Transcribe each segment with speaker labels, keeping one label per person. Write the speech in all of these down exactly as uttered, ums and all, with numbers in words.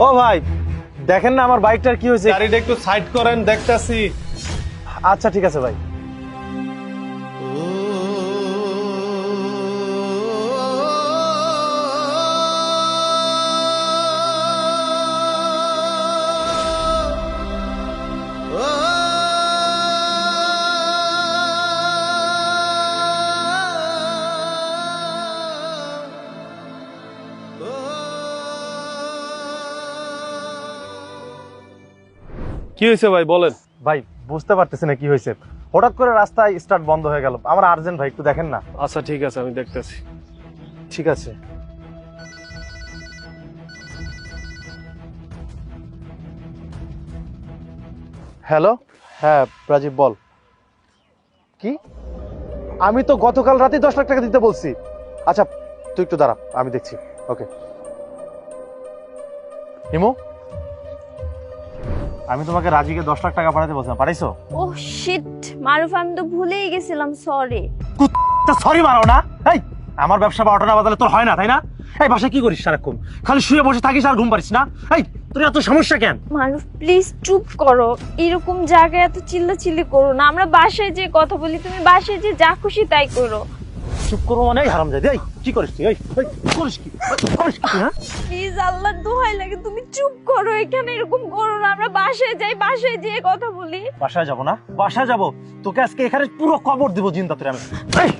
Speaker 1: ও ভাই দেখেন না আমার বাইকটার কি হয়েছে।
Speaker 2: গাড়িটা একটু সাইড করেন, দেখতাছি।
Speaker 1: আচ্ছা ঠিক আছে ভাই।
Speaker 2: কি হয়েছে ভাই বলেন।
Speaker 1: ভাই বুঝতে পারতেছি না কি হয়েছে, হঠাৎ করে রাস্তায় স্টার্ট বন্ধ হয়ে গেল। আমার আর্জেন্ট ভাই, একটু দেখেন না।
Speaker 2: আচ্ছা ঠিক আছে, আমি দেখতেছি।
Speaker 1: ঠিক আছে। হ্যালো, হ্যাঁ রাজীব বল। কি? আমি তো গতকাল রাতে দশ লাখ টাকা দিতে বলছি। আচ্ছা তুই একটু দাঁড়া, আমি দেখছি। ওকে। হিমু, আমি তোমাকে রাজিকে দশ লাখ টাকা পাঠাতে বলছিলাম, পাঠাইছো?
Speaker 3: ও শিট মারুফ, আমি তো ভুলেই গেছিলাম, সরি।
Speaker 1: সরি মারো না। এই আমার ব্যবসা বারোটা না বাজালে তোর হয় না, তাই না? এই বাসায় কি করিস সারাক্ষণ? খালি শুয়ে বসে থাকিস আর ঘুম পারিস না? এই তোর এত সমস্যা কেন?
Speaker 3: মারুফ প্লিজ চুপ করো, এরকম জায়গায় এত চিল্লাচিল্লি করো না। আমরা বাসায় যে কথা বলি, তুমি বাসায় যে যা খুশি তাই করো।
Speaker 1: চুপ করো মানে হারামজাদি। এই কি করিস তুই? এই এই, করিস কি করিস কি? হ্যাঁ
Speaker 3: প্লিজ আল্লাহর দোহাই লাগে তুমি চুপ করো, এখানে এরকম করো না। আমরা বাসায় যাই, বাসায় যেয়ে কথা বলি।
Speaker 1: বাসায় যাবো না? বাসায় যাবো, তোকে আজকে এখানে পুরো কবর দিব জিন্দা তোরে আমি। এই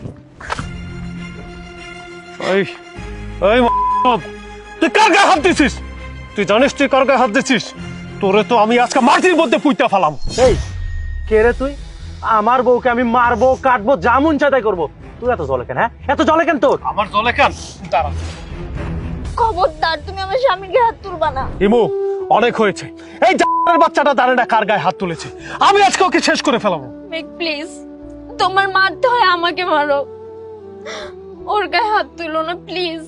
Speaker 2: এই এই তুই কার গায়ে হাত দিছিস? তুই জানিস তুই কার গায়ে হাত দিছিস? তোরে তো আমি আজকে মাটির মধ্যে পুঁতে ফেলাম।
Speaker 1: এই কে রে তুই? আমার বউকে আমি মারবো, কাটবো, যা মন চায় তাই করবো। তুই এত জলে কেন? হ্যাঁ এত জলে কেন তোর?
Speaker 2: আমার জলে কেন? দাঁড়া।
Speaker 3: খবরদার, তুমি আমার স্বামীর গায়ে হাত তুলবা না।
Speaker 2: হিমু অনেক হয়েছে। এই জানের বাচ্চাটা জানে না কার গায়ে হাত তুলেছে। আমি আজকে ওকে শেষ করে ফেলাবো।
Speaker 3: মেক প্লিজ, তোমার মারতে হয় আমাকে মারো, ওর গায়ে হাত তুলো না প্লিজ।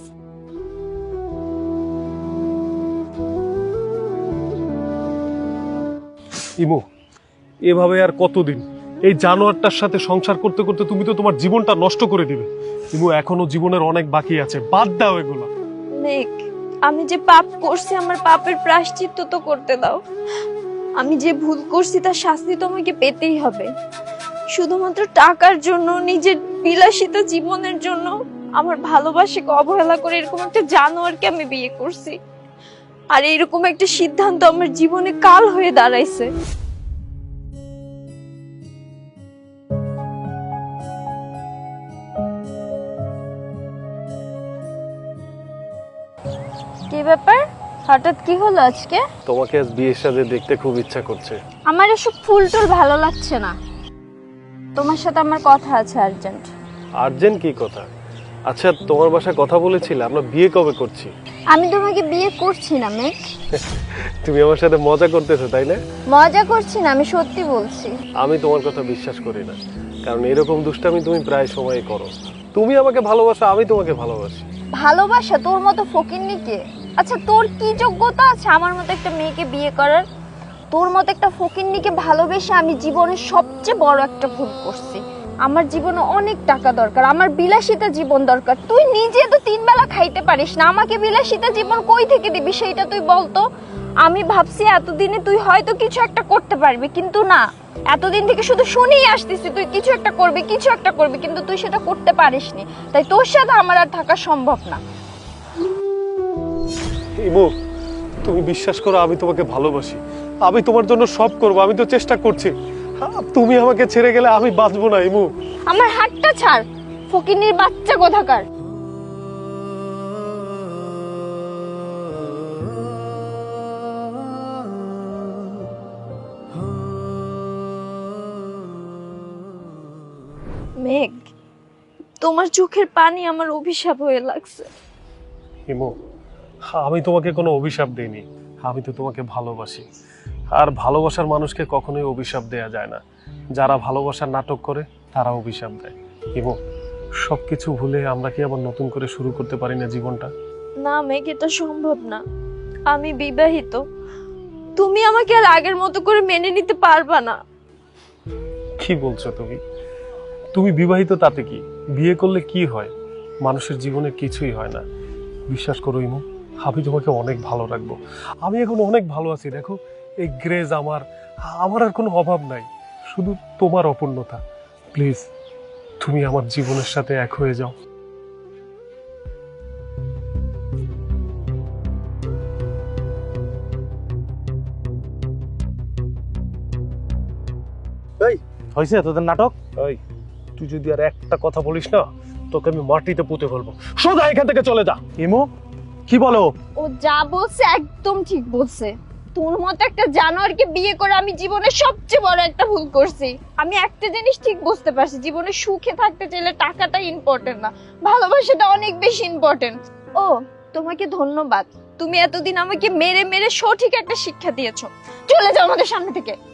Speaker 2: ইমু এভাবে আর কতদিন এই জানোয়ারটার সাথে সংসার করতে করতে তুমি তো তোমার জীবনটা নষ্ট করে দিবে। ইমু এখনো জীবনের অনেক বাকি আছে, বাদ দাও এগুলো।
Speaker 3: মেক, আমি যে পাপ করছি আমার পাপের প্রায়শ্চিত্ত তো করতে দাও। আমি যে ভুল করছি তার শাস্তি তো আমাকে পেতেই হবে। শুধুমাত্র টাকার জন্য, নিজের বিলাসিতা জীবনের জন্য আমার ভালোবাসাকে অবহেলা করে এরকম একটা জানোয়ারকে আমি বিয়ে করছি। আর এরকম একটা সিদ্ধান্ত আমার জীবনে কাল হয়ে দাঁড়াইছে। কি ব্যাপার, হঠাৎ কি হলো আজকে?
Speaker 2: তোমাকে আজ বিয়ের সাথে দেখতে খুব ইচ্ছা করছে।
Speaker 3: আমার এসব ফুল টুল ভালো লাগছে না, তোমার সাথে আমার কথা আছে আর্জেন্ট।
Speaker 2: আর্জেন্ট কি কথা? আচ্ছা তোমার বাসায় কথা বলেছিলে আমরা বিয়ে কবে করছি?
Speaker 3: আমি তোমাকে বিয়ে করছি না মেঘ।
Speaker 2: তুমি আমার সাথে মজা করতেছো তাই না?
Speaker 3: মজা করছি না, আমি সত্যি বলছি।
Speaker 2: আমি তোমার কথা বিশ্বাস করি না, কারণ এরকম দুষ্টামি তুমি প্রায় সময় করো। তুমি আমাকে ভালোবাসো, আমি তোমাকে ভালোবাসি।
Speaker 3: ভালোবাসা তোর মতো ফকিন্নিকে? আচ্ছা তোর কি যোগ্যতা আছে আমার মতো একটা মেয়েকে বিয়ে করার? তোর মতো একটা ফকিন্নিকে ভালোবেসে আমি জীবনের সবচেয়ে বড় একটা ভুল করছি। আমার জীবনে অনেক টাকা দরকার, আমার বিলাসিতা জীবন দরকার। তুই নিজে তো তিন বেলা খাইতে পারিস না, আমাকে বিলাসিতা জীবন কই থেকে দিবি সেইটা তুই বলতো। আমি ভাবছি এতদিনে তুই হয়তো কিছু একটা করতে পারবি, কিন্তু না, এতদিন থেকে শুধু শুনেই আসতেছি তুই কিছু একটা করবি, কিছু একটা করবি, কিন্তু তুই সেটা করতে পারিসনি। তাই তোর সাথে আমার আর থাকা সম্ভব না।
Speaker 2: ইমু তুমি বিশ্বাস করো, আমি তোমাকে ভালোবাসি, আমি তোমার জন্য সব করব, আমি তো চেষ্টা করছি। তুমি আমাকে ছেড়ে গেলে আমি বাঁচবো না ইমু।
Speaker 3: আমার হাতটা ছাড়, ফকিন্নির বাচ্চা কোথাকার। মেঘ, তোমার চোখের পানি আমার অভিশাপ হয়ে লাগছে।
Speaker 2: ইমু আমি তোমাকে কোনো অভিশাপ দেইনি, আমি তো তোমাকে ভালোবাসি। আর ভালোবাসার মানুষকে কখনোই অভিশাপ দেয়া যায় না। যারা ভালোবাসার নাটক করে তারা অভিশাপ দেয়। ইমু সবকিছু ভুলে আমরা কি আবার নতুন করে শুরু করতে পারি না জীবনটা?
Speaker 3: না মেঘ, এটা সম্ভব না। আমি বিবাহিত, তুমি আমাকে আর আগের মতো করে মেনে নিতে পারবা না।
Speaker 2: কি বলছো তুমি? তুমি বিবাহিত তাতে কি? বিয়ে করলে কি হয়? মানুষের জীবনে কিছুই হয় না। বিশ্বাস করো ইমু, আমি তোমাকে অনেক ভালো রাখবো। আমি এখন অনেক ভালো আছি, দেখো এই গ্রেজ আমার, আমার আর কোনো অভাব নাই, শুধু তোমার অপূর্ণতা। প্লিজ তুমি আমার জীবনের সাথে এক হয়ে যাও।
Speaker 1: এই হয়েছে তোদের নাটক?
Speaker 2: এই তুই যদি আর একটা কথা বলিস না, তোকে আমি মাটিতে পুঁতে ফেলবো। সোজা এখান থেকে চলে যা।
Speaker 1: ইমু কি বলো?
Speaker 3: ও যা বলছে একদম ঠিক বলছে। তোর মতো একটা জানোয়ারকে বিয়ে করে আমি জীবনে সবচেয়ে বড় একটা ভুল করছি। আমি একটা জিনিস ঠিক বুঝতে পারছি, জীবনে সুখে থাকতে চাইলে টাকাটা ইম্পর্টেন্ট না, ভালোবাসাটা অনেক বেশি ইম্পর্টেন্ট। ও তোমাকে ধন্যবাদ, তুমি এতদিন আমাকে মেরে মেরে সঠিক একটা শিক্ষা দিয়েছো। চলে যাও আমাদের সামনে থেকে।